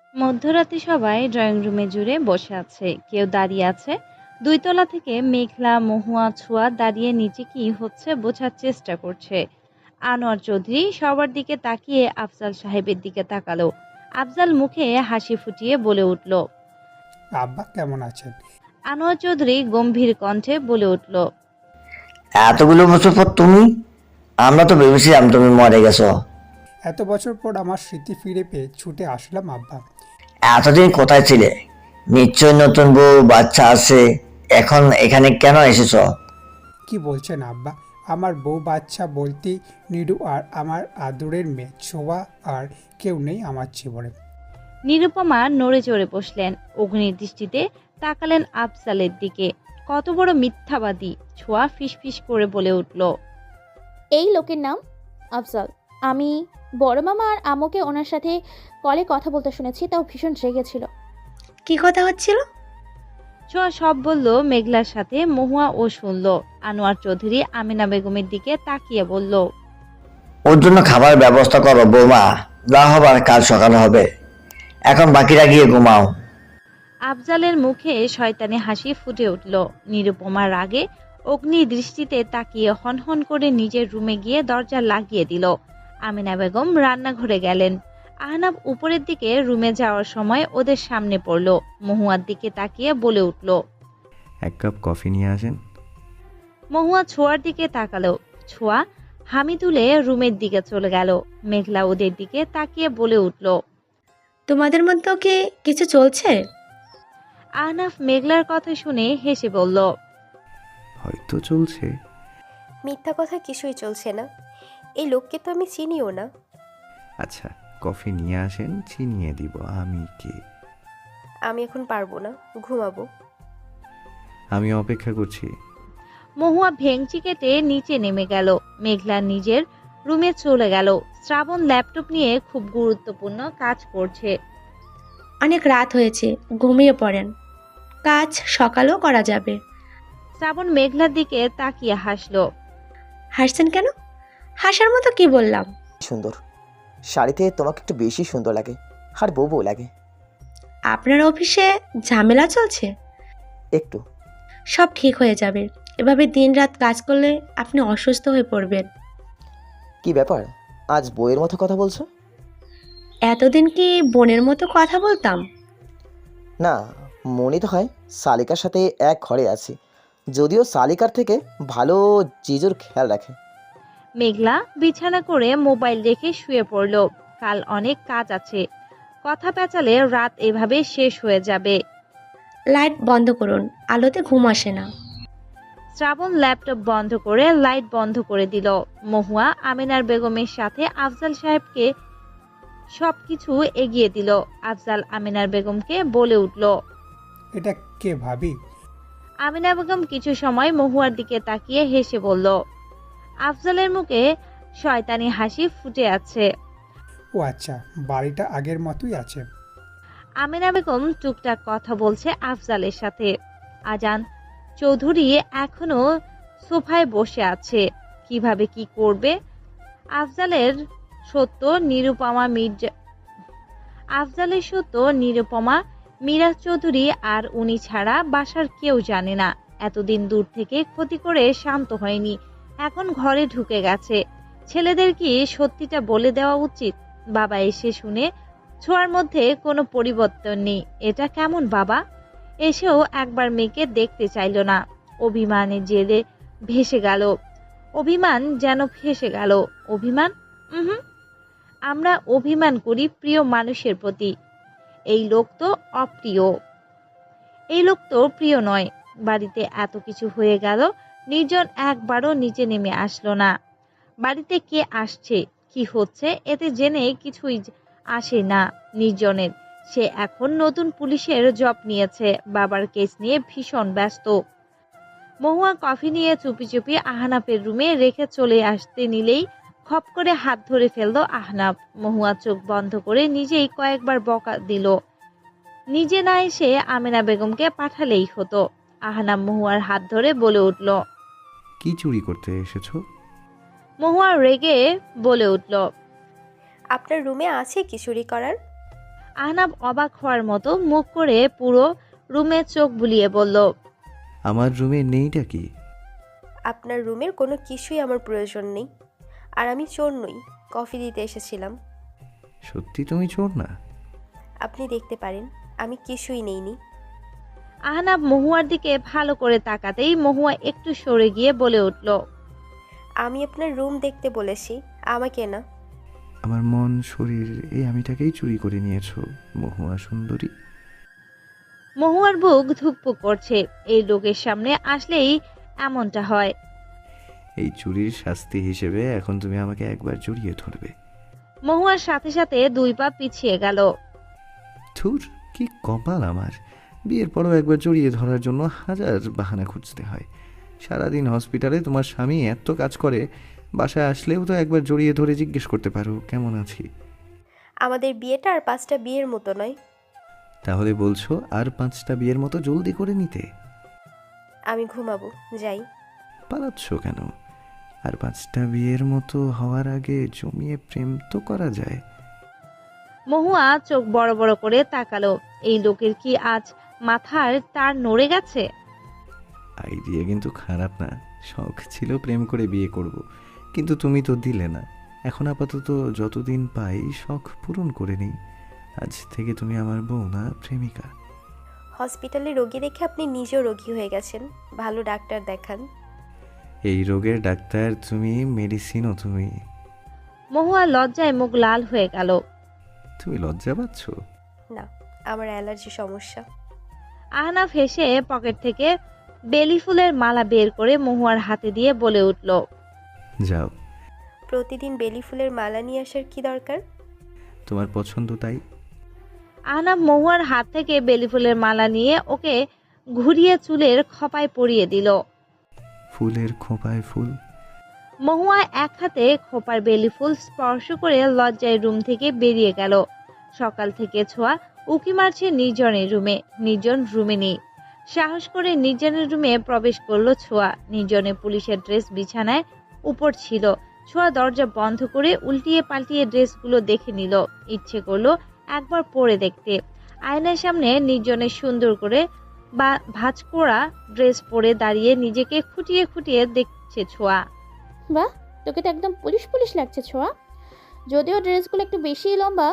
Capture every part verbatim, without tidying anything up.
মধ্যরাতে সবাই ড্রয়িং রুমে জুড়ে বসে আছে, কেউ দাঁড়িয়ে আছে। দুই তলা থেকে মেঘলা, মহুয়া, ছোঁয়া দাঁড়িয়ে নিচে কি হচ্ছে বোঝার চেষ্টা করছে। আনোয়ার চৌধুরী সবার দিকে তাকিয়ে আফজাল সাহেবের দিকে তাকালো। আফজাল মুখে হাসি ফুটিয়ে বলে উঠল। আব্বা কেমন আছেন? আনোয়ার চৌধুরী গম্ভীর কণ্ঠে বলে উঠল। এতগুলো বছর পর তুমি? আমরা তো ভেবেছিলাম তুমি মরে গেছো। এত বছর পর আমার স্মৃতি ফিরে পেয়ে ছুটে আসলাম আব্বা। এতদিন কোথায় ছিলে? নিশ্চয় নতুন বউ বাচ্চা আছে, এখন এখানে কেন এসেছো? কি বলছেন আব্বা? আমার বউ বাচ্চা বলতে নিরু আর আমার আদরের মেয়ে ছোঁয়া আর কেউ নেই আমার জীবনে। নিরুপমা নড়ে চড়ে বসলেন, অগ্নির দৃষ্টিতে তাকালেন আফজালের দিকে। কত বড় মিথ্যাবাদী! ছোঁয়া ফিসফিস করে বলে উঠল। এই লোকের নাম আফজাল। আমি বড় মামা আর আম্মুকে ওনার সাথে কলে কথা বলতে শুনেছি, তাও ভীষণ রেগেছিল। কি কথা হচ্ছিল? ছোঁয়া সব বলল মেঘলার সাথে। মহুয়া ও শুনল। আনোয়ার চৌধুরী আমিনা বেগমের দিকে তাকিয়ে বলল। ওর জন্য খাবার ব্যবস্থা করো বৌমা, যা হবার কাল সকালে হবে। এখন বাকিরা গিয়ে ঘুমাও। আফজালের মুখে শয়তানি হাসি ফুটে উঠল। নিরুপমার রাগে অগ্নি দৃষ্টিতে তাকিয়ে হনহন করে নিজের রুমে গিয়ে দরজা লাগিয়ে দিল। আমিনা বেগম রান্নাঘরে গেলেন। আহনাব উপরের দিকে রুমে যাওয়ার সময় ওদের সামনে পড়ল। মহুয়ার দিকে তাকিয়ে বলে উঠল। এক কাপ কফি নিয়ে আসেন। মহুয়া ছোঁয়ার দিকে তাকালো। ছোঁয়া হামি তুলে রুমের দিকে চলে গেল। মেঘলা ওদের দিকে তাকিয়ে বলে উঠল। তোমাদের মধ্যে কি কিছু চলছে? আহনাফ মেঘলার কথা শুনে হেসে বলল। হয়তো চলছে। মিথ্যা কথা কিছুই চলছে না। এই লোককে তো আমি চিনিও না। আচ্ছা, কফি নিয়ে আসেন, চিনিয়ে দিব আমি কে। আমি এখন পারবো না, ঘুমাবো। আমি অপেক্ষা করছি। মহুয়া ভেংচি কেটে নিচে নেমে গেল। মেঘলা নিজের রুমে চলে গেল। শ্রাবণ ল্যাপটপ নিয়ে খুব গুরুত্বপূর্ণ কাজ করছে। অনেক রাত হয়েছে, ঘুমিয়ে পড়েন, কাজ সকালেও করা যাবে। শ্রাবণ মেঘলার দিকে তাকিয়ে হাসলো। হাসছেন কেন? হাসার মতো কি বললাম? সুন্দর শাড়িতে তোমাকে একটু বেশি সুন্দর লাগে, আর বউ বউ লাগে। আপনার অফিসে ঝামেলা চলছে? একটু। সব ঠিক হয়ে যাবে। এভাবে দিন রাত কাজ করলে আপনি অসুস্থ হয়ে পড়বেন। কি ব্যাপার, আজ বউয়ের মতো কথা বলছো? এতদিন কি বোনের মতো কথা বলতাম? না, মনে তো হয় শালিকার সাথে এক ঘরে আছি, যদিও শালিকার থেকে ভালো জিজুর খেয়াল রাখে। মেঘলা বিছানা করে মোবাইল রেখে শুয়ে পড়ল। কাল অনেক কাজ আছে। কথা পেঁচালে রাত এভাবে শেষ হয়ে যাবে। লাইট বন্ধ করুন, আলোতে ঘুম আসে না। শ্রাবণ ল্যাপটপ বন্ধ করে লাইট বন্ধ করে দিল। মহুয়া আমিনার বেগমের সাথে আফজাল সাহেবকে সবকিছু এগিয়ে দিল। আফজাল আমিনার বেগমকে বলে উঠল। এটা কে ভাবি? আমিনা বেগম কিছু সময় মহুয়ার দিকে তাকিয়ে হেসে বলল। আফজালের মুখে শয়তানি হাসি ফুটে আছে। ও আচ্ছা, বাড়িটা আগের মতোই আছে। আমিনা বেগম টুকটাক কথা বলছে আফজালের সাথে। আজান চৌধুরী এখনো সোফায় বসে আছে। কিভাবে কি করবে? আফজালের সত্য নিরুপমা মির্জা আফজালের সত্য নিরুপমা মিরাজ চৌধুরী আর উনি ছাড়া বাসার কেউ জানে না। এতদিন দূর থেকে ক্ষতি করে শান্ত হয়নি, এখন ঘরে ঢুকে গেছে। ছেলেদের কি সত্যিটা বলে দেওয়া উচিত? বাবা এসে শুনে ছোঁয়ার মধ্যে কোনো পরিবর্তন নেই। এটা কেমন বাবা? এসেও একবার মেয়েকে দেখতে চাইল না। অভিমানে জেলে ভেসে গেল। অভিমান যেন ফেসে গেল। অভিমান? হুম, আমরা অভিমান করি প্রিয় মানুষের প্রতি। এই লোক তো অপ্রিয়। এই লোক তো প্রিয় নয়। বাড়িতে এত কিছু হয়ে গেল, নির্জন একবারও নিচে নেমে আসলো না। বাড়িতে কে আসছে, কি হচ্ছে এতে জেনে কিছুই আসে না নির্জনের। সে এখন নতুন পুলিশের জব নিয়েছে, বাবার কেস নিয়ে ভীষণ ব্যস্ত। মহুয়া কফি নিয়ে চুপি চুপি আহনাফের রুমে রেখে চলে আসতে নিলেই খপ করে হাত ধরে ফেলল আহনাফ। মহুয়া চোখ বন্ধ করে নিজেই কয়েকবার বকা দিল। নিজে না এসে আমিনা বেগমকে পাঠালেই হতো। আহনাফ মহুয়ার হাত ধরে বলে উঠল। কি চুরি করতে এসেছো? মহুয়া রেগে বলে উঠল। আপনার রুমে আছে কি চুরি করার? আহনাব অবাক হওয়ার মতো মুখ করে পুরো রুমে চোখ বুলিয়ে বলল, আমার রুমে নেইটা কি? আপনার রুমের কোনো কিছুই আমার প্রয়োজন নেই। আর আমি চোর নই, কফি দিতে এসেছিলাম। সত্যি তুমি চোর না? আপনি দেখতে পারেন, আমি কিছুই নেইনি। আহনাব মহুয়ার দিকে ভালো করে তাকাতেই মহুয়া একটু সরে গিয়ে বলে উঠল, আমি আপনার রুম দেখতে বলেছি, আমাকে না। আমার মন শরীর এই আমিটাকেই চুরি করে নিয়েছো মহুয়া সুন্দরী। মহুয়ার বুক ধুকপুক করছে। এই লোকের সামনে আসলেই এমনটা হয়। এই চুরির শাস্তি হিসেবে এখন তুমি আমাকে একবার জড়িয়ে ধরবে। মহুয়ার সাথে সাথে দুই পা পিছিয়ে গেল। ধুর, কি কপাল আমার! বিয়ের পরও একবার জড়িয়ে ধরার জন্য হাজার বাহানা খুঁজতে হয়। সারাদিন হসপিটালে তোমার স্বামী এত কাজ করে, বাসায় আসলেও তো একবার জড়িয়ে ধরে জিজ্ঞেস করতে পারো কেমন আছি। আমাদের বিয়েটা আর পাঁচটা বিয়ের মতো নয়। তাহলে বলছো আর পাঁচটা বিয়ের মতো জলদি করে নিতে? আমি ঘুমাবো, যাই। পালাচ্ছ কেন? আর পাঁচটা বিয়ের মতো হওয়ার আগে জমিয়ে প্রেম তো করা যায়। মহুয়া চোখ বড় বড় করে তাকালো। এই লোকের কি আজ মাথার তার নড়ে গেছে? আইডিয়া কিন্তু খারাপ না। শখ ছিল প্রেম করে বিয়ে করব, কিন্তু তুমি তো দিলে না। এখন আপাতত যতদিন পাই শখ পূরণ করে নিই। আজ থেকে তুমি আমার বউ না, প্রেমিকা। হসপিটালে রোগী দেখে আপনি নিজেও রোগী হয়ে গেছেন, ভালো ডাক্তার দেখান। এই রোগের ডাক্তার তুমি, মেডিসিনও তুমি। মহুয়া লজ্জায় মুখ লাল হয়ে গেল। তুমি লজ্জা পাচ্ছ? না, আমার অ্যালার্জি সমস্যা। আহনাফ হেসে পকেট থেকে বেলি ফুলের মালা বের করে মহুয়ার হাতে দিয়ে বলে উঠল, যাও। প্রতিদিন বেলি ফুলের মালা নিয়ে আসার কি দরকার? তোমার পছন্দ তাই। আহনাফ মহুয়ার হাত থেকে বেলি ফুলের মালা নিয়ে ওকে ঘুরিয়ে চুলের খোপায় পরিয়ে দিল। ফুলের খোঁপায় ফুল। মহুয়া এক হাতে খোপার বেলি ফুল স্পর্শ করে লজ্জায় রুম থেকে বেরিয়ে গেল। সকাল থেকে ছোঁয়া উকি মারছে নির্জনের রুমে। নির্জন রুমে নেই। সাহস করে নির্জনের রুমে প্রবেশ করলো ছোঁয়া। নির্জনে পুলিশের ড্রেস বিছানায় উপর ছিল। ছোঁয়া দরজা বন্ধ করে উল্টিয়ে পাল্টিয়ে ড্রেসগুলো দেখে নিল। ইচ্ছে করলো একবার পরে দেখতে। আয়নার সামনে নির্জনের সুন্দর করে বা ভাঁজ করা ড্রেস পরে দাঁড়িয়ে নিজেকে খুঁটিয়ে খুঁটিয়ে দেখছে ছোঁয়া। বাহ, তোকে তো একদম পুলিশ পুলিশ লাগছে ছোঁয়া, যদিও ড্রেসগুলো একটু বেশি লম্বা।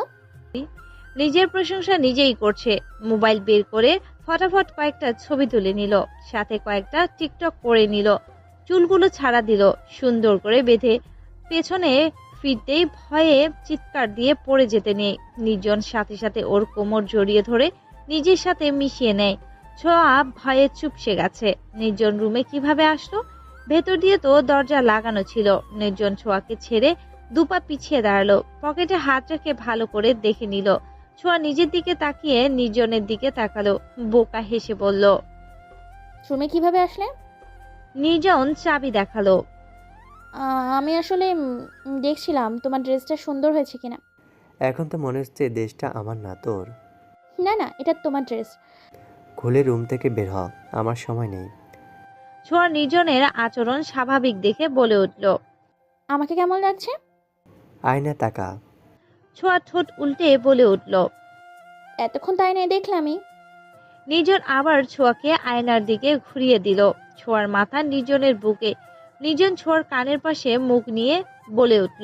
নিজের প্রশংসা নিজেই করছে। মোবাইল বের করে ফটাফট কয়েকটা ছবি তুলে নিল, সাথে কয়েকটা টিকটক করে নিল। চুলগুলো ছাড়া দিল, সুন্দর করে বেঁধে পেছনে ফিরতেই ভয়ে চিৎকার দিয়ে পড়ে যেতে নেই। নির্জন সাথে সাথে ওর কোমর জড়িয়ে ধরে নিজের সাথে মিশিয়ে নেয়। ছোঁয়া ভয়ে চুপসে গেছে। নির্জন রুমে কিভাবে আসলো? ভেতর দিয়ে তো দরজা লাগানো ছিল। নির্জন ছোঁয়াকে ছেড়ে দুপা পিছিয়ে দাঁড়ালো। পকেটে হাত রেখে ভালো করে দেখে নিল। ছোঁয়া নিজের দিকে তাকিয়ে নির্জনের দিকে তাকালো। বোকা হেসে বলল, রুমে কিভাবে আসলে? নির্জন চাবি দেখালো। আহ, আমি আসলে উম, দেখছিলাম তোমার ড্রেসটা সুন্দর হয়েছে কিনা। এখন তো মনে হচ্ছে দেশটা আমার না তোর। না না, এটা তোমার ড্রেস। খুলে রুম থেকে বের হ, আমার সময় নেই। ছোঁয়া নির্জনের আচরণ স্বাভাবিক দেখে বলে উঠল, আমাকে কেমন লাগছে? আয়না তাকা। ছোঁয়া ঠোঁট উল্টে বলে উঠল। এতক্ষণ তাই নাই দেখলামই। নির্জন আবার ছোঁয়াকে আয়নার দিকে ঘুরিয়ে দিল। ছোঁয়ার মাথা নির্জনের বুকে। নির্জন ছোঁয়ার কানের পাশে মুখ নিয়ে বলে উঠল,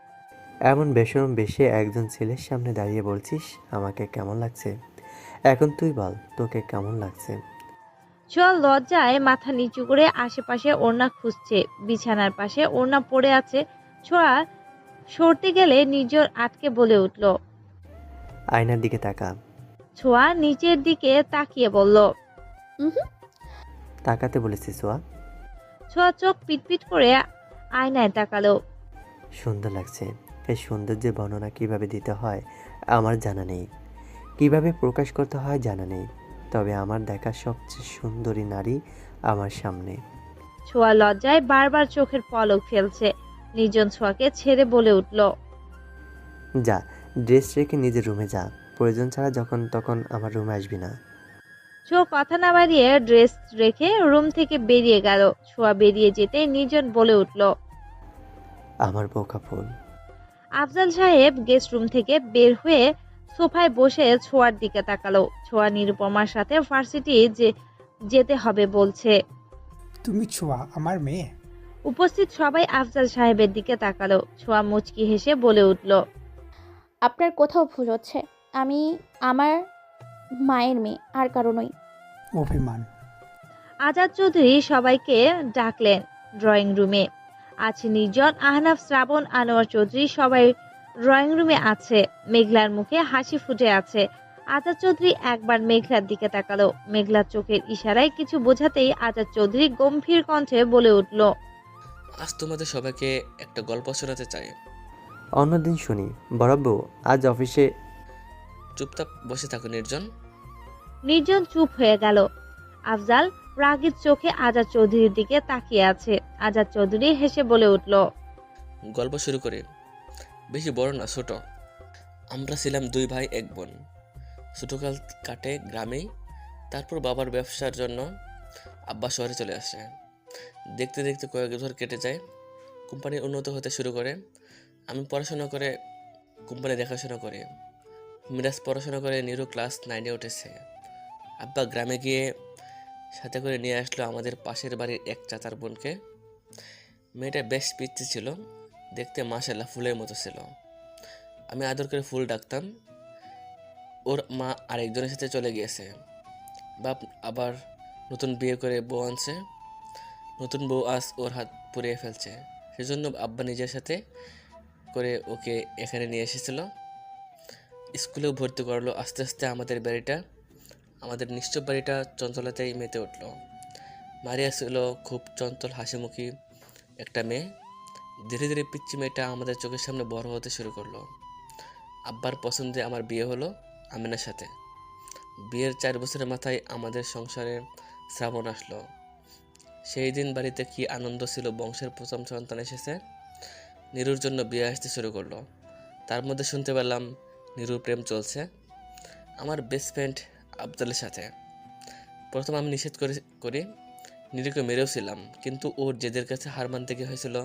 এমন বেশরম বেশে একজন ছেলের সামনে দাঁড়িয়ে বলছিস আমাকে কেমন লাগছে? এখন তুই বল তোকে কেমন লাগছে? ছোঁয়া লজ্জায় মাথা নিচু করে আশেপাশে ওড়না খুঁজছে। বিছানার পাশে ওড়না পড়ে আছে। ছোঁয়া সরতে গেলে নির্জন আটকে বলে উঠল। আয়নার দিকে তাকা। ছোঁয়া নিচের দিকে তাকিয়ে বলল, হুম। তাকাতে বলেছি সোয়া। ছোঁয়া চোখ পিটপিট করে আয়নায় তাকালো। সুন্দর লাগছে। এই সৌন্দর্যের বর্ণনা কিভাবে দিতে হয় আমার জানা নেই, কিভাবে প্রকাশ করতে হয় জানা নেই, তবে আমার দেখা সবচেয়ে সুন্দরী নারী আমার সামনে। ছোঁয়া লজ্জায় বারবার চোখের পলক ফেলছে। নির্জন ছোঁয়াকে ছেড়ে বলে উঠল, যা, ড্রেস রেখে নিজের রুমে যা, প্রয়োজন ছাড়া যখন তখন আমার রুমে আসবি না। ছোঁয়া কথা না বাড়িয়ে ড্রেস রেখে রুম থেকে বেরিয়ে গেল। ছোঁয়া বেরিয়ে যেতে নির্জন বলে উঠল, আমার বোকা ফুল। আফজাল সাহেব গেস্ট রুম থেকে বের হয়ে সোফায় বসে ছোঁয়ার দিকে তাকালো। ছোঁয়া নিরুপমার সাথে ভার্সিটি যে যেতে হবে বলছে। তুমি ছোঁয়া আমার মেয়ে? উপস্থিত সবাই আফজাল সাহেবের দিকে তাকালো। ছোঁয়া মুচকি হেসে বলে উঠল, আপনার কোথাও ভুল হচ্ছে। আমি আমার মায়ের মেয়ে, আর কারো নই। অভিমান। আজাদ চৌধুরী সবাইকে ডাকলেন ড্রয়িং রুমে। আছে নির্জন, আহনাফ, শ্রাবণ, আনোয়ার চৌধুরী সবাই ড্রয়িং রুমে আছে। মেঘলার মুখে হাসি ফুটে আছে। আজাদ চৌধুরী একবার মেঘলার দিকে তাকালো। মেঘলার চোখের ইশারায় কিছু বোঝাতেই আজাদ চৌধুরী গম্ভীর কণ্ঠে বলে উঠল, আজ তোমাদের সবাইকে একটা গল্প শোনাতে চাই। অন্যদিন শুনি। বরাব্বু, আজ অফিসে। চুপচাপ বসে থাকো নির্জন। নির্জন চুপ হয়ে গেল। আফজাল রাগীর চোখে আজাদ চৌধুরীর দিকে তাকিয়ে আছে। আজাদ চৌধুরী হেসে বলে উঠল, গল্প শুরু করি। বেশি বড় না, ছোট। আমরা ছিলাম দুই ভাই এক বোন। ছোটকাল কাটে গ্রামেই। তারপর বাবার ব্যবসার জন্য আব্বা শহরে চলে আসে। দেখতে দেখতে কয়েক বছর কেটে যায়। কোম্পানি উন্নত হতে শুরু করে। আমি পড়াশোনা করে কোম্পানি দেখাশোনা করি। মিরাজ পড়াশোনা করে নিরু ক্লাস নাইনে উঠেছে। আব্বা গ্রামে গিয়ে সাথে করে নিয়ে আসলো আমাদের পাশের বাড়ির এক চাচার বোনকে। মেয়েটা বেশ পিচ্ছি ছিল, দেখতে মাশাআল্লাহ ফুলের মতো ছিল। আমি আদর করে ফুল ডাকতাম। ওর মা আরেকজনের সাথে চলে গিয়েছে। বাপ আবার নতুন বিয়ে করে বউ আনছে। নতুন বউ আজ ওর হাত পুড়িয়ে ফেলছে। সেজন্য আব্বা নিজের সাথে করে ওকে এখানে নিয়ে এসেছিল। স্কুলেও ভর্তি করলো। আস্তে আস্তে আমাদের বাড়িটা আমাদের নিশ্চব বাড়িটা চঞ্চলতায় মেতে উঠল। মারিয়া ছিল খুব চঞ্চল হাসিমুখী একটা মেয়ে। ধীরে ধীরে পিচ্চি মেয়েটা আমাদের চোখের সামনে বড় হতে শুরু করলো। আব্বার পছন্দে আমার বিয়ে হলো আমিনার সাথে। বিয়ের চার বছরের মাথায় আমাদের সংসারে শ্রাবণ আসলো। সেই দিন বাড়িতে কি আনন্দ ছিল। বংশের প্রথম সন্তান এসেছে। নিরুর জন্য বিয়ে আসতে শুরু করলো। তার মধ্যে শুনতে পেলাম নিরুর প্রেম চলছে আমার বেস্ট ফ্রেন্ড আফজালের সাথে। প্রথম আমি নিষেধ করে করি নিরুকে মেরেও ছিলাম, কিন্তু ওর জেদের কাছে হার মানতে গিয়ে হয়েছিল।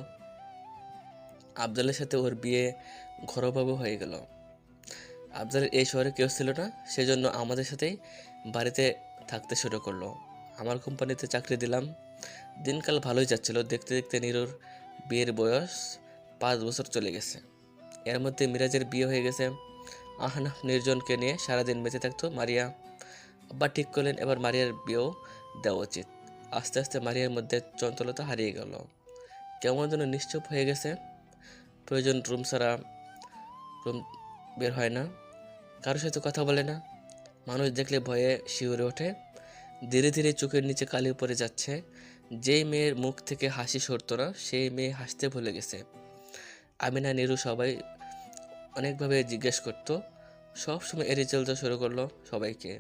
আফজালের সাথে ওর বিয়ে ঘরোয়াভাবে হয়ে গেল। আফজালের এই শহরে কেউ ছিল না, সেজন্য আমাদের সাথেই বাড়িতে থাকতে শুরু করলো। আমার কোম্পানিতে চাকরি দিলাম। দিনকাল ভালোই যাচ্ছিল। দেখতে দেখতে নিরুর বিয়ের বয়স পাঁচ বছর চলে গেছে। এর মধ্যে মিরাজের বিয়ে হয়ে গেছে। আহনাফ নির্জনকে নিয়ে সারাদিন বেঁচে থাকতো। মারিয়া আব্বা ঠিক করলেন এবার মারিয়ার বিয়েও দেওয়া উচিত। আস্তে আস্তে মারিয়ার মধ্যে চঞ্চলতা হারিয়ে গেল। কেমন যেন নিশ্চুপ হয়ে গেছে। প্রয়োজন রুম ছাড়া রুম বের হয় না। কারোর সাথে কথা বলে না। মানুষ দেখলে ভয়ে শিউরে ওঠে। ধীরে ধীরে চোখের নিচে কালি পড়ে যাচ্ছে। যেই মেয়ের মুখ থেকে হাসি সরতো না, সেই মেয়ে হাসতে ভুলে গেছে। আমিনা নিরু সবাই অনেকভাবে জিজ্ঞেস করতো। সবসময় এড়িয়ে চলতে শুরু করলো সবাইকে।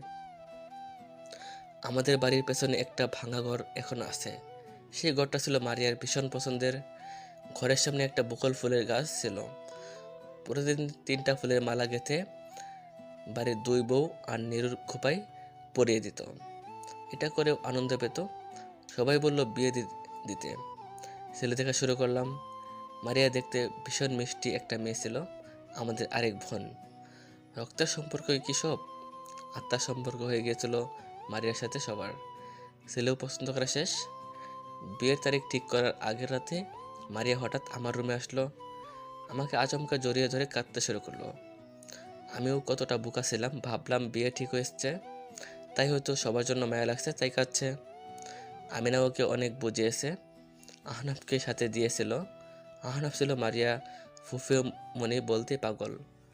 আমাদের বাড়ির পেছনে একটা ভাঙা ঘর এখন আছে। সেই ঘরটা ছিল মারিয়ার ভীষণ পছন্দের। ঘরের সামনে একটা বকুল ফুলের গাছ ছিল। প্রতিদিন তিনটা ফুলের মালা গেঁথে বাড়ির দুই বউ আর নিরুর খোপায় পরিয়ে দিত। এটা করেও আনন্দ পেত। সবাই বলল বিয়ে দিতে। ছেলে দেখা শুরু করলাম। মারিয়া দেখতে ভীষণ মিষ্টি একটা মেয়ে ছিল। আমাদের আরেক বোন। রক্তের সম্পর্ক কি সব? আত্মার সম্পর্ক হয়ে গিয়েছিল মারিয়ার সাথে সবার। ছেলেও পছন্দ করা শেষ। বিয়ের তারিখ ঠিক করার আগের রাতে মারিয়া হঠাৎ আমার রুমে আসলো। আমাকে আচমকা জড়িয়ে ধরে কাঁদতে শুরু করলো। আমিও কতটা বোকা ছিলাম। ভাবলাম বিয়ে ঠিক হয়েছে, তাই হয়তো সবার জন্য মায়া লাগছে, তাই কাঁদছে। আমিনা ওকে অনেক বুঝিয়েছে। আহনাফকে সাথে দিয়েছিল। আহনাফ ছিল মারিয়া ফুফিও মনে বলতে পাগল।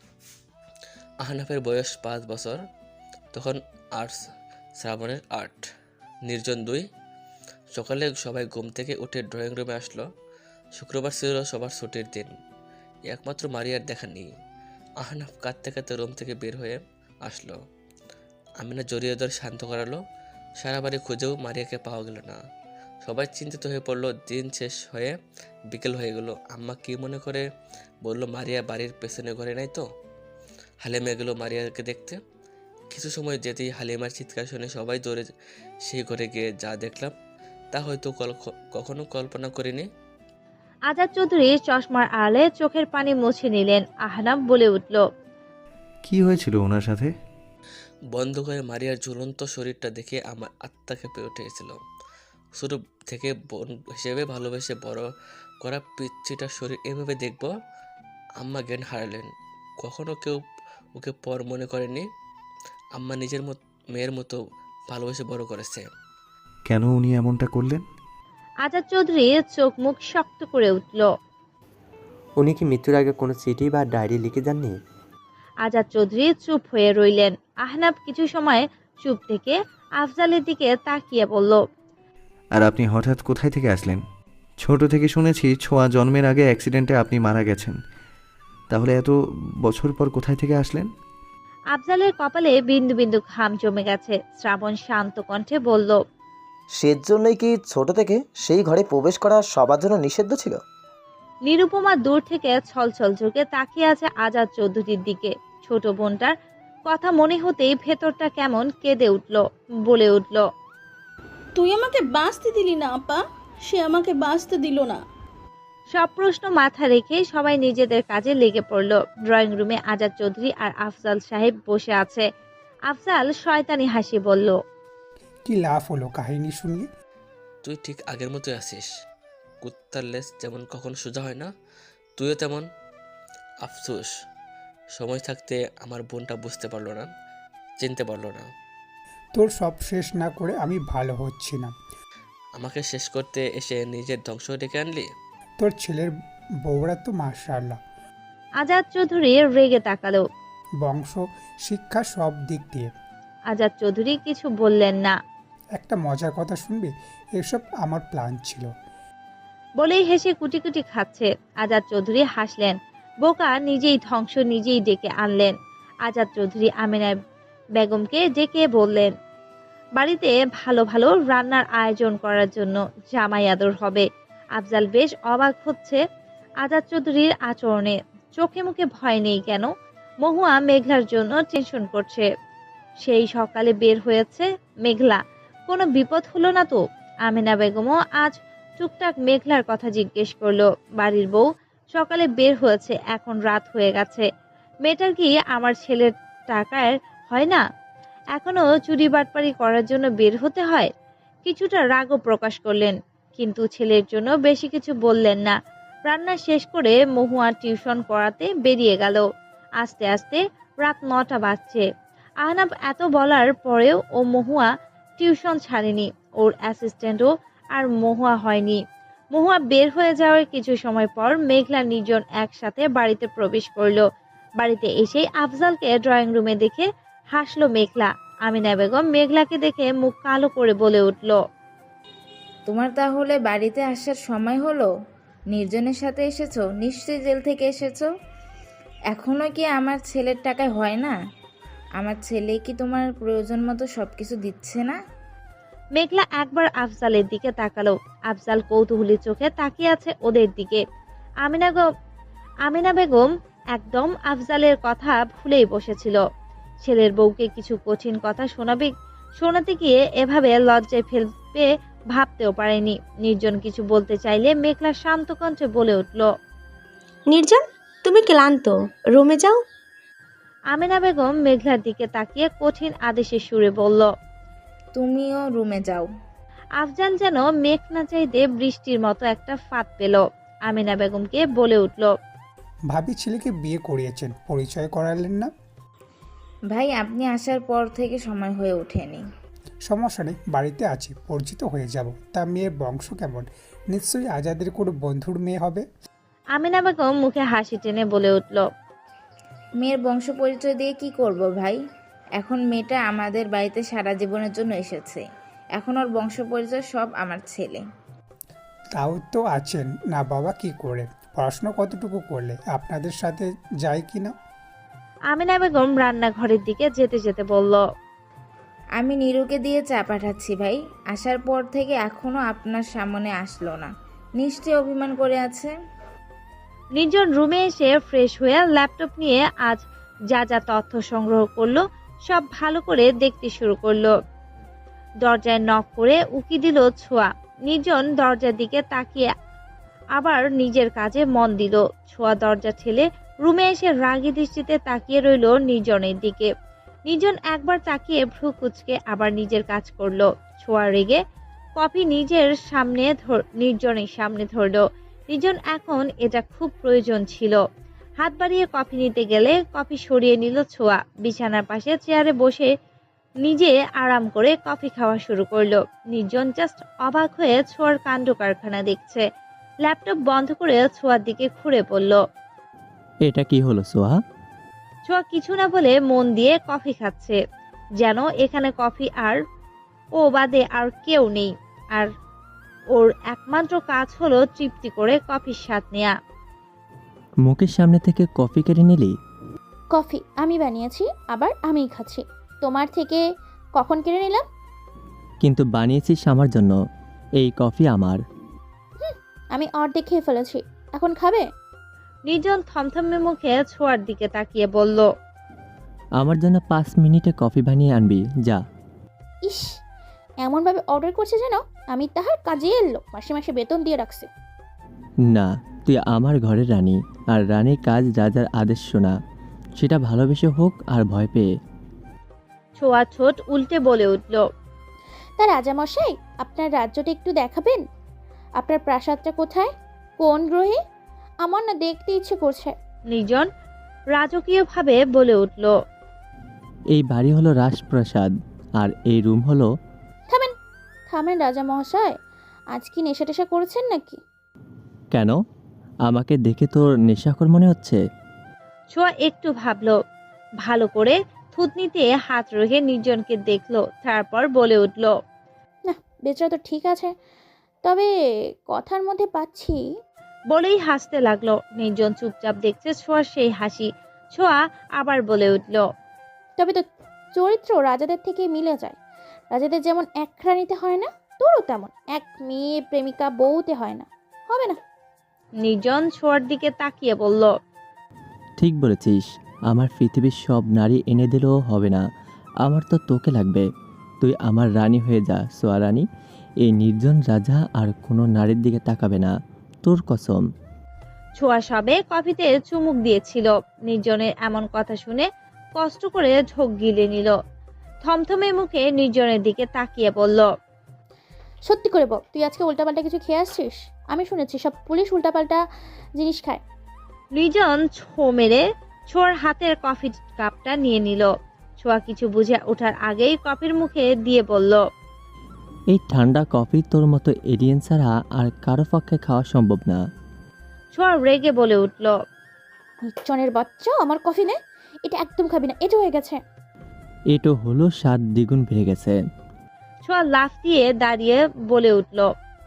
আহনাফের বয়স পাঁচ বছর। তখন আর্টস, শ্রাবণের আট, নির্জন দুই। সকালে সবাই ঘুম থেকে উঠে ড্রয়িং রুমে আসলো। শুক্রবার ছিল সবার ছুটির দিন। একমাত্র মারিয়ার দেখা নেই। আহনাফ কাঁদতে কাঁদতে রুম থেকে বের হয়ে আসলো। আমিনা জড়িয়ে ধরে শান্ত করালো। সারা বাড়ি খুঁজেও মারিয়াকে পাওয়া গেল না। সবাই চিন্তিত হয়ে পড়লো। দিন শেষ হয়ে বিকেল হয়ে গেল। আম্মা কি মনে করে বলল, মারিয়া বাড়ির পেছনে ঘরে নাই তো? হালিমা গেল মারিয়াকে দেখতে। কিছু সময় যেতেই হালিমার চিৎকার শুনে সবাই দৌড়ে সেই ঘরে গিয়ে যা দেখলাম তা হয়তো কখনো কল্পনা করিনি। আজাদ চৌধুরী চশমার আড়ালে চোখের পানি মুছে নিলেন। আহনাফ বলে উঠল, কি হয়েছিল ওনার সাথে? বন্ধ করে মারিয়ার ঝুলন্ত শরীরটা দেখে আমার আত্মা কেঁপে উঠেছিল। ছোটো থেকে বোন হিসেবে ভালোবেসে বড় করা পিচ্ছিটার শরীর এভাবে দেখব। আম্মা জ্ঞান হারালেন। কখনো কেউ ওকে পর মনে করেনি। আম্মা নিজের মত মেয়ের মতো ভালোবেসে বড় করেছে। কেন উনি এমনটা করলেন? আজাদ চৌধুরী চোখ মুখ শক্ত করে উঠল। উনি কি মৃত্যুর আগে কোনো চিঠি বা ডায়েরি লিখে যাননি? আজাদ চৌধুরী চুপ হয়ে রইলেন। আহনাব কিছু সময় চুপ থেকে আফজালের দিকে তাকিয়ে বলল, আর আপনি হঠাৎ কোথায় থেকে আসলেন? ছোট থেকে শুনেছি ছোঁয়া জন্মের আগে অ্যাক্সিডেন্টে আপনি মারা গেছেন। তাহলে এত বছর পর কোথায় থেকে আসলেন? আফজালের কপালে বিন্দু বিন্দু ঘাম জমে গেছে। শ্রাবণ শান্ত কণ্ঠে বলল, সেজন্যই কি ছোট থেকে সেই ঘরে প্রবেশ করা সবার জন্য নিষিদ্ধ ছিল? নিরুপমা দূর থেকে ছলছল চোখে তাকিয়ে আছে আজাদ চৌধুরীর দিকে। ছোট বোনটার কথা মনে হতেই ভেতরটা কেমন কেঁদে উঠল। বলে উঠল, তুই আমাকে বাঁচতে দিলি না আপা, সে আমাকে বাঁচতে দিল না। সব প্রশ্ন মাথা রেখে সবাই নিজেদের কাজে লেগে পড়ল। ড্রয়িং রুমে আজাদ চৌধুরী আর আফজাল সাহেব বসে আছে। আফজাল শয়তানি হাসি বলল, কি লাভ হলো কাহিনী শুনিয়ে? তুই ঠিক আগের মতোই আছিস। কুত্তার লেজ যেমন কখনো সোজা হয় না, তুইও তেমন। আফসোস, সময় থাকতে আমার বোনটা বুঝতে পারলো না, চিনতে পারলো না। তোর সব শেষ না করে আমি ভালো হচ্ছি না। আমাকে শেষ করতে এসে নিজের ধ্বংস ডেকে আনলি। তোর ছেলের বউরা তো মাশাআল্লাহ। আজাদ চৌধুরী রেগে তাকালো। বংশ, শিক্ষা সব দিক দিয়ে। আজাদ চৌধুরী কিছু বললেন না। একটা মজার কথা শুনবি? এসব আমার প্ল্যান ছিল। বলেই হেসে কুটি কুটি খাচ্ছে। আজাদ চৌধুরী হাসলেন। বোকা নিজেই ধ্বংস নিজেই ডেকে আনলেন। আজাদ চৌধুরী আমিনা বেগমকে ডেকে বললেন, বাড়িতে ভালো ভালো রান্নার আয়োজন করার জন্য জামাই আদর হবে। আফজাল বেশ অবাক হচ্ছে আজাদ চৌধুরীর আচরণে। চোখে মুখে ভয় নেই কেন? মহুয়া মেঘলার জন্য টেনশন করছে। সেই সকালে বের হয়েছে মেঘলা, কোনো বিপদ হলো না তো? আমিনা বেগমও আজ টুকটাক মেঘলার কথা জিজ্ঞেস করলো। বাড়ির বউ সকালে বের হয়েছে, এখন রাত হয়ে গেছে। মেয়েটার কি আমার ছেলের টাকায় হয় না? এখনো চুরি বাটপারি করার জন্য বের হতে হয়? কিছুটা রাগও প্রকাশ করলেন, কিন্তু ছেলের জন্য বেশি কিছু বললেন না। রান্না শেষ করে মহুয়া টিউশন করাতে বেরিয়ে গেল। আস্তে আস্তে রাত নটা বাজছে। আহনাব এত বলার পরেও ও মহুয়া টিউশন ছাড়েনি। ওর অ্যাসিস্ট্যান্টও আর মহুয়া হয়নি। মহুয়া বের হয়ে যাওয়ার কিছু সময় পর মেঘলা নির্জন একসাথে বাড়িতে প্রবেশ করলো। বাড়িতে এসেই আফজালকে ড্রয়িং রুমে দেখে হাসলো মেঘলা। আমিনা বেগম মেঘলাকে দেখে মুখ কালো করে বলে উঠল, তোমার তাহলে বাড়িতে আসার সময় হলো? নির্জনের সাথে এসেছো? নিশ্চয়ই জেল থেকে এসেছো। এখনো কি আমার ছেলের টাকায় হয় না? আমার ছেলে কি তোমার প্রয়োজন মতো সব কিছু দিচ্ছে না? মেঘলা একবার আফজালের দিকে তাকালো। আফজাল কৌতূহলী চোখে তাকিয়ে আছে ওদের দিকে। আমিনা আমিনা বেগম একদম আফজালের কথা ভুলেই বসেছিল। ছেলের বউকে কিছু কঠিন কথা শোনাবে শোনাতে গিয়ে এভাবে লজ্জায় ফেলবে ভাবতেও পারেনি। নির্জন কিছু বলতে চাইলে মেঘলা শান্ত কণ্ঠে বলে উঠল, নির্জন, তুমি ক্লান্ত, রুমে যাও। আমিনা বেগম মেঘলার দিকে তাকিয়ে কঠিন আদেশের সুরে বলল, তুমিও রুমে যাও। আফজাল যেন মেঘ না চাইতে বৃষ্টির মতো একটা ফাঁদ পেল। আমিনা বেগমকে বলে উঠল, ভাবি ছেলেকে বিয়ে করিয়েছেন, পরিচয় করালেন না? ভাই, আপনি আসার পর থেকে সময় হয়ে ওঠেনি। সমস্যা নেই, বাড়িতে আছি, পরিচিত হয়ে যাব। তা মেয়ের বংশ কেমন? নিশ্চয়ই আজাদের কোনো বন্ধুর মেয়ে হবে। আমিনা বেগম মুখে হাসি টেনে বলে উঠল, মেয়ের বংশ পরিচয় দিয়ে কি করব ভাই? এখন মেয়েটা আমাদের বাড়িতে সারা জীবনের জন্য এসেছে। এখন ওর বংশ পরিচয় সব আমার ছেলে। তাও তো আছেন না বাবা, কি করে? পড়াশোনা কতটুকু করলে? আপনাদের সাথে যায় কি না? আমিনা বেগম রান্নাঘরের দিকে যেতে যেতে বলল, আমি নীরুকে দিয়ে চা পাঠাচ্ছি ভাই। আসার পর থেকে এখনো আপনার সামনে আসলো না, নিশ্চয়ই অভিমান করে আছে। নির্জন রুমে এসে ফ্রেশ হয়ে ল্যাপটপ নিয়ে আজ যা যা তথ্য সংগ্রহ করলো সব ভালো করে দেখতে শুরু করলো। দরজায় নক করে উকি দিল ছোঁয়া। নির্জন দরজার দিকে তাকিয়ে আবার নিজের কাজে মন দিল। ছোঁয়া দরজা ঠেলে রুমে এসে রাগী দৃষ্টিতে তাকিয়ে রইল নির্জনের দিকে। নির্জন একবার তাকিয়ে ভ্রু কুচকে আবার নিজের কাজ করলো। ছোঁয়া রেগে কফি নিজের সামনে নির্জনের সামনে ধরলো। নির্জন এখন এটা খুব প্রয়োজন ছিল। হাত বাড়িয়ে কফি নিতে গেলে কফি সরিয়ে নিল ছোঁয়া। বিছানার পাশে চেয়ারে বসে নিজে আরাম করে কফি খাওয়া শুরু করলো। নির্জন জাস্ট অবাক হয়ে ছোঁয়ার কাণ্ড কারখানা দেখছে। ল্যাপটপ বন্ধ করে ছোঁয়ার দিকে ঘুরে পড়ল। এটা কি হলো সোহা? ছোঁয়া কিছু না বলে মন দিয়ে কফি খাচ্ছে, যেন এখানে কফি আর ও বাদে আর কেউ নেই। আর ওর একমাত্র কাজ হলো তৃপ্তি করে কফির স্বাদ নেয়া। মুখের সামনে থেকে কফি কেড়ে নিলি? কফি আমি বানিয়েছি, আবার আমিই খাচ্ছি। তোমার থেকে কখন কেড়ে নিলাম? কিন্তু বানিয়েছিস আমার জন্য। এই কফি আমার। আমি অর্ধেক খেয়ে ফেলেছি, এখন খাবে? নির্জন থমথমে মুখে ছোঁয়ার দিকে তাকিয়ে বলল, আমার জন্য পাঁচ মিনিটে কফি বানিয়ে আনবি, যা। ইস, এমনভাবে অর্ডার করছে যেন আমি তাহার কাজে এলো, মাসে মাসে বেতন দিয়ে রাখছে। না, তুই আমার ঘরের রানী, আর রানীর কাজ রাজার আদেশ শোনা, সেটা ভালোবেসে হোক আর ভয় পেয়ে। ছোঁয়া ছোট উল্টে বলে উঠল, তা রাজামশাই, আপনার রাজ্যটা একটু দেখাবেন? আপনার প্রাসাদটা কোথায়, কোন গ্রহে? আমার না দেখতে ইচ্ছে করছে। নির্জন রাজকীয় ভাবে বলে উঠল, এই বাড়ি হলো রাজপ্রাসাদ, আর এই রুম হলো। থামেন থামেন রাজা মহাশয়, আজ কি নেশা টেশা করেছেন নাকি? কেন, আমাকে দেখে তোর নেশাখোর মনে হচ্ছে? ছোঁয়া একটু ভাবলো, ভালো করে থুতনিতে হাত রেখে নির্জনকে দেখলো, তারপর বলে উঠল, না, বেচারা তো ঠিক আছে, তবে কথার মধ্যে পাচ্ছি। বলেই হাসতে লাগলো। নির্জন চুপচাপ দেখছে ছোঁয়ার সেই হাসি। ছোঁয়া আবার বলে উঠল, তবে তো চরিত্র রাজাদের থেকে মিলে যায়। রাজাদের যেমন এক রানীতে হয় না, তোরও তেমন এক মেয়ে প্রেমিকা বউতে হয় না, হবে না? নির্জন ছোঁয়ার দিকে তাকিয়ে বলল, ঠিক বলেছিস, আমার পৃথিবীর সব নারী এনে দিলেও হবে না, আমার তো তোকে লাগবে। তুই আমার রানী হয়ে যা সোয়া রানী। এই নির্জন রাজা আর কোনো নারীর দিকে তাকাবে না, তোর কসম। ছোঁয়া সবে কফিতে চুমুক দিয়েছিল। নির্জনের এমন কথা শুনে কষ্ট করে ঢোক গিলে নিল। থমথমে মুখে নির্জনের দিকে তাকিয়ে বলল, সত্যি করে বল, তুই আজকে উল্টাপাল্টা কিছু খেয়ে আসছিস? আমি শুনেছি সব পুলিশ উল্টাপাল্টা জিনিস খায়। নির্জন ছো মেরে ছোঁয়ার হাতের কফি কাপটা নিয়ে নিল। ছোঁয়া কিছু বুঝে ওঠার আগেই কফির মুখে দিয়ে বলল, এই ঠান্ডা কফি তোর মতো এলিয়েন ছাড়া আর কারো পক্ষে খাওয়া সম্ভব না। ছোঁয়া রেগে বলে উঠল, নির্জনের বাচ্চা, আমার কফি নে, এটা একদম খাবি না, এটা হয়ে গেছে। এটো হলো স্বাদ দ্বিগুণ বেড়ে গেছে। ছোঁয়া লাফ দিয়ে দাঁড়িয়ে বলে উঠল,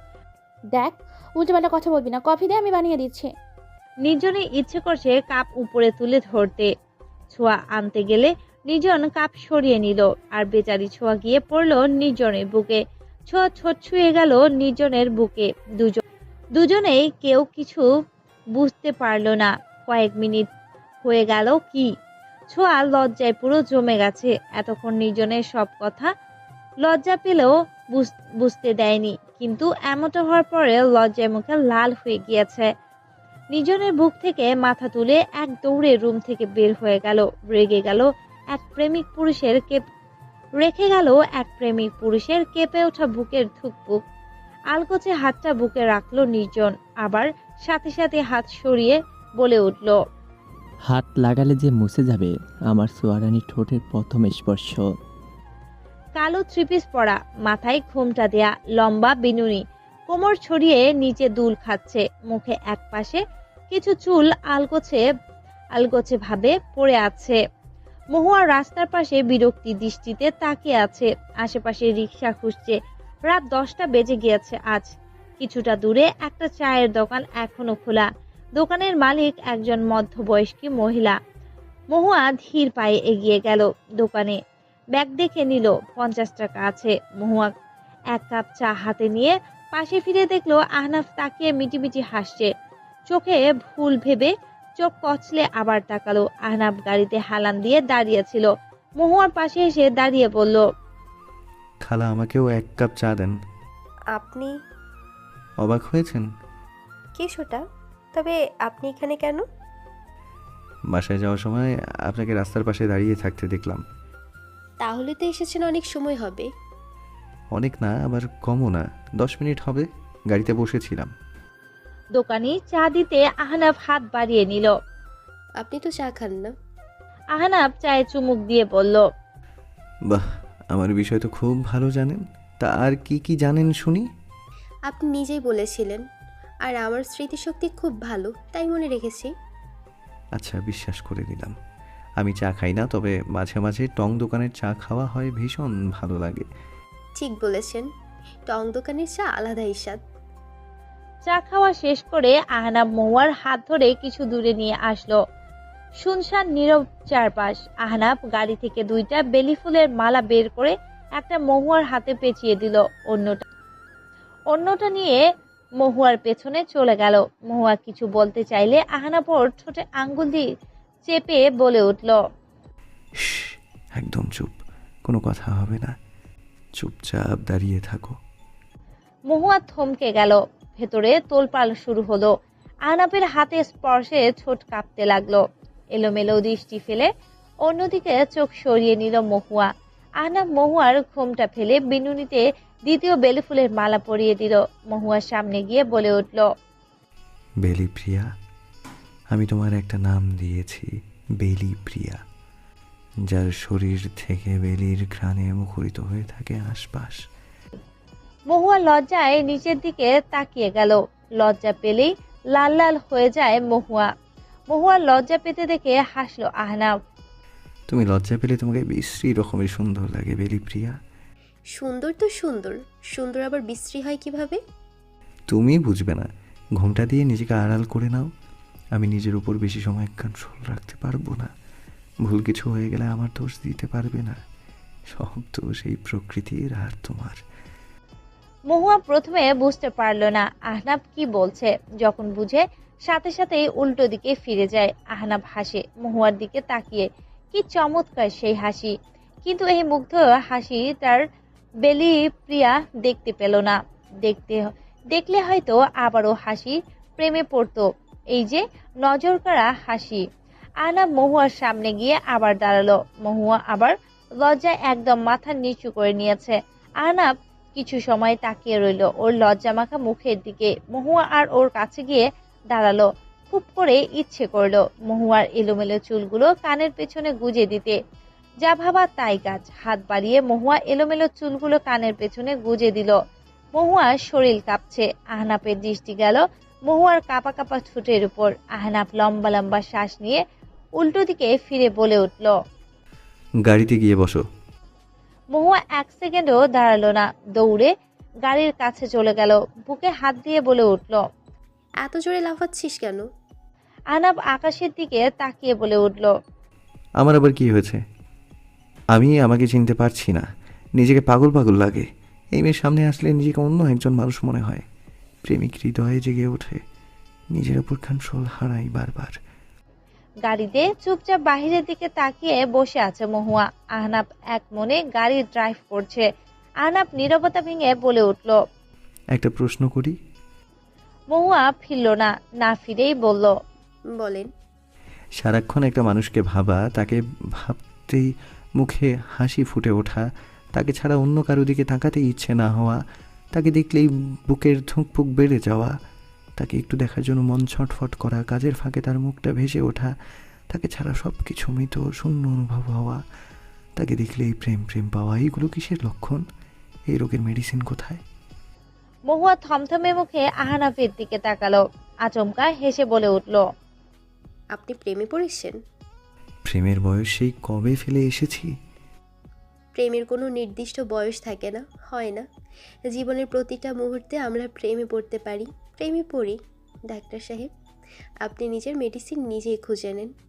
দেখ, উল্টোপাল্টা কথা বলবি না, কফি দে, আমি বানিয়ে দিচ্ছি। নির্জনের ইচ্ছে করছে কাপ উপরে তুলে ধরতে। ছোঁয়া আনতে গেলে নির্জন কাপ সরিয়ে নিল, আর বেচারি ছোঁয়া গিয়ে পড়ল নির্জনের বুকে। ছোঁয়া ছোট ছুঁয়ে গেল নির্জনের বুকে। দুজন দুজনেই কেউ কিছু বুঝতে পারলো না। কয়েক মিনিট হয়ে গেল কি, ছোঁয়া লজ্জায় পুরো জমে গেছে। এতক্ষণ নির্জনের সব কথা লজ্জা পেলেও বুঝতে দেয়নি, কিন্তু এমনটা হওয়ার পরে লজ্জায় মুখে লাল হয়ে গিয়েছে। নির্জনের বুক থেকে মাথা তুলে এক দৌড়ে রুম থেকে বের হয়ে গেল। রেগে গেল এক প্রেমিক পুরুষের কেপ রেখে গেল এক প্রেমিক পুরুষের কেঁপে ওঠা বুকের ধুকপুক। আলগোছে হাতটা বুকে রাখলো নির্জন, আবার সাথে সাথে হাত সরিয়ে বলে উঠল, হাত লাগালে যে মুছে যাবে আমার সোয়ারানি ঠোঁটের প্রথম স্পর্শ। কালো থ্রিপিস পরা, মাথায় ঘোমটা দেয়া, লম্বা বিনুনি, কোমর ছড়িয়ে নিচে দুল খাচ্ছে। মুখে এক পাশে কিছু চুল আলগোছে আলগোছে ভাবে পড়ে আছে। মহুয়া রাস্তার পাশে বিরক্তি দৃষ্টিতে তাকিয়ে আছে। আশেপাশে রিক্সা খুঁজছে। রাত দশটা বেজে গিয়েছে আজ। কিছুটা দূরে একটা চায়ের দোকান এখনো খোলা। দোকানের মালিক একজন মধ্যবয়স্কী মহিলা। মহুয়া ধীর পায়ে এগিয়ে গেল দোকানে। ব্যাগ দেখে নিল, পঞ্চাশ টাকা আছে। মহুয়া এক কাপ চা হাতে নিয়ে পাশে ফিরে দেখলো আহনাফ তাকিয়ে মিটিমিটি হাসছে। চোখে ভুল ভেবে চোখ কচলে আবার তাকালো। আহনাফ গাড়িতে হালান দিয়ে দাঁড়িয়েছিল। মহুয়ার পাশে এসে দাঁড়িয়ে বলল, খালা, আমাকেও এক কাপ চা দেন। আপনি? অবাক হয়েছেন? কিছুটা। তবে আপনি এখানে কেন? বাসায় যাওয়ার সময় আপনাকে রাস্তার পাশে দাঁড়িয়ে থাকতে দেখলাম। তাহলে তো এসেছেন অনেক সময় হবে। অনেক না, আবার কমও না, দশ মিনিট হবে। গাড়িতে বসেছিলাম। দোকানি চা দিতে আহনাফ হাত বাড়িয়ে নিল। আপনি তো চা খান না। আহনাফ চায়ে চুমুক দিয়ে বলল, বাহ, আমার বিষয় তো খুব ভালো জানেন। তা আর কি কি জানেন শুনি? আপনি নিজেই বলেছিলেন, আর আমার স্মৃতিশক্তি খুব ভালো, তাই মনে রেখেছি। আচ্ছা, বিশ্বাস করে দিলাম। আমি চা খাই না, তবে মাঝে মাঝে টং দোকানের চা খাওয়া হয়, ভীষণ ভালো লাগে। ঠিক বলেছেন, টং দোকানের চা আলাদাই স্বাদ। চা খাওয়া শেষ করে আহনাফ মহুয়ার হাত ধরে কিছু দূরে নিয়ে আসলো। শুনশান নীরব চারপাশ। আহনাফ গাড়ি থেকে দুইটা বেলি ফুলের মালা বের করে একটা মহুয়ার হাতে পেঁচিয়ে দিল, অন্যটা অন্যটা নিয়ে মহুয়ার পেছনে চলে গেল। মহুয়া কিছু বলতে চাইলে আহনাফ ওর ঠোঁটে আঙ্গুল দিয়ে চেপে বলে উঠল, একদম চুপ, কোনো কথা হবে না, চুপচাপ দাঁড়িয়ে থাকো। মহুয়া থমকে গেল। ভেতরে তোলপাল শুরু হলো। আহনাফের হাতে স্পর্শে ঠোঁট কাঁপতে লাগলো। এলোমেলো দৃষ্টি ফেলে অন্যদিকে চোখ সরিয়ে নিল মহুয়া। আহনাফ মহুয়ার ঘোমটা ফেলে বিনুনিতে দ্বিতীয় বেলি ফুলের মালা পরিয়ে দিল। মহুয়ার সামনে গিয়ে বলে উঠল, বেলি প্রিয়া, আমি তোমার একটা নাম দিয়েছি, বেলি প্রিয়া, যার শরীর থেকে বেলির ঘ্রাণে মুখরিত হয়ে থাকে আশপাশ। মহুয়া লজ্জায় নিচের দিকে তাকিয়ে গেল। লজ্জা পেলেই লাল লাল হয়ে যায় মহুয়া। মহুয়ার লজ্জা পেতে দেখে হাসলো আহনাফ। তুমি লজ্জা পেলে তোমাকে বিশ্রী রকমের সুন্দর লাগে বেলি প্রিয়া। সুন্দর তো সুন্দর, সুন্দর আবার বিশ্রী হয় কিভাবে? তুমি বুঝবে না। ঘোমটা দিয়ে নিজেকে আড়াল করে নাও। আমি নিজের উপর বেশি সময় কন্ট্রোল রাখতে পারবো না। ভুল কিছু হয়ে গেলে আমার দোষ দিতে পারবে না। সব দোষ এই প্রকৃতির আর তোমার। মহুয়া প্রথমে বুঝতে পারল না আহনাফ কি বলছে। যখন বুঝে সাথে সাথেই উল্টো দিকে ফিরে যায়। আহনাফ হাসে মহুয়ার দিকে তাকিয়ে। কি চমৎকার সেই হাসি! কিন্তু এই মুগ্ধ হাসি তার বেলি প্রিয়া দেখতে পেল না। দেখতে দেখলে হয়তো আবারও হাসি প্রেমে পড়তো। এই যে নজর কাড়া হাসি। আহনাফ মহুয়ার সামনে গিয়ে আবার দাঁড়ালো। মহুয়া আবার লজ্জায় একদম মাথা নিচু করে নিয়েছে। আহনাফ কিছু সময় তাকিয়ে রইল ওর লজ্জা মাখা মুখের দিকে। মহুয়া আর ওর কাছে গিয়ে দাঁড়ালো। খুব করে ইচ্ছে করলো মহুয়ার এলোমেলো চুলগুলো কানের পেছনে গুজে দিতে। যা ভাবা তাই কাজ। হাত বাড়িয়ে মহুয়া এলোমেলো চুলগুলো কানের পেছনে গুজে দিল। মহুয়ার শরীর কাঁপছে। আহনাফের দৃষ্টি গেল মহুয়ার কাঁপা কাঁপা ঠোঁটের উপর। আহনাফ লম্বা লম্বা শ্বাস নিয়ে উল্টো দিকে ফিরে বলে উঠল, গাড়িতে গিয়ে বসো। মহুয়া এক সেকেন্ডও দাঁড়ালো না, দৌড়ে গাড়ির কাছে চলে গেল। বুকে হাত দিয়ে বলে উঠল, এত জোরে লাফাচ্ছিস কেন? আহনাফ আকাশের দিকে তাকিয়ে বলে উঠল, আমার আবার কি হয়েছে? আমি আমাকে চিনতে পারছি না। নিজেকে পাগল পাগল লাগে। এই মেয়ের সামনে আসলে নিজেকে অন্য একজন মানুষ মনে হয়। প্রেমিক হৃদয়ে জেগে ওঠে। নিজের উপর কন্ট্রোল হারাই বারবার। গাড়িতে চুপচাপ বাহিরের দিকে তাকিয়ে বসে আছে মহুয়া। আহনাফ এক মনে গাড়ি ড্রাইভ করছে। আহনাফ নীরবতা ভেঙে বলে উঠল, একটা প্রশ্ন করি? মহুয়া ফিরল না, না ফিরেই বলল, বলেন। সারাক্ষণ একটা মানুষকে ভাবা, তাকে ভাবতেই মুখে হাসি ফুটে ওঠা, তাকে ছাড়া অন্য কারো দিকে তাকাতেই ইচ্ছে না হওয়া, তাকে দেখলেই বুকের ধুকপুক বেড়ে যাওয়া, তাকে একটু দেখার জন্য মন ছটফট করা, কাজের ফাঁকে তার মুখটা ভেসে ওঠা, তাকে ছাড়া সব কিছু মৃত শূন্য অনুভব হওয়া, তাকে দেখলেই প্রেম প্রেম পাওয়া, এইগুলো কিসের লক্ষণ? এই রোগের মেডিসিন কোথায়? মহুয়া থমথমে মুখে আহনাফের দিকে তাকালো। আচমকা হেসে বলে উঠল, আপনি প্রেমে পড়েছেন? প্রেমের বয়স সেই কবে ফেলে এসেছি? প্রেমের কোনো নির্দিষ্ট বয়স থাকে না, হয় না। জীবনের প্রতিটা মুহূর্তে আমরা প্রেমে পড়তে পারি। প্রেমে পড়ি। ডাক্তার সাহেব, আপনি নিজের মেডিসিন নিজেই খুঁজে নেন।